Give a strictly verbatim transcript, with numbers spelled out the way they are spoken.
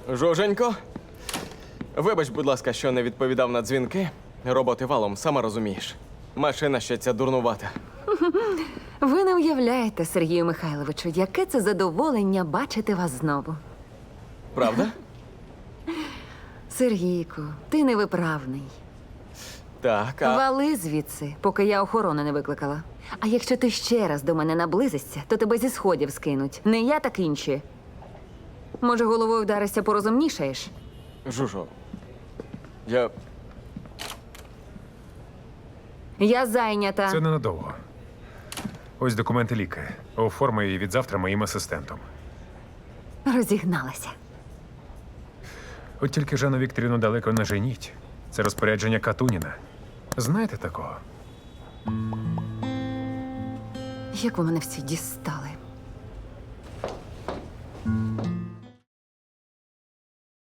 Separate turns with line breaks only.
Жуженько, вибач, будь ласка, що не відповідав на дзвінки. Роботи валом, сама розумієш. Машина ще ця дурнувата.
Ви не уявляєте, Сергію Михайловичу, яке це задоволення бачити вас знову.
Правда?
Сергійку, ти невиправний.
Так, а...
Вали звідси, поки я охорону не викликала. А якщо ти ще раз до мене наблизишся, то тебе зі сходів скинуть. Не я, так інші. Може, головою вдаришся, порозумнішаєш?
Жужо, я...
Я зайнята.
Це ненадовго. Ось документи ліки. Оформи її від завтра моїм асистентом.
Розігналася.
От тільки Жанну Вікторівну далеко не женіть. Це розпорядження Катуніна. Знаєте такого?
Як ви мене всі дістали?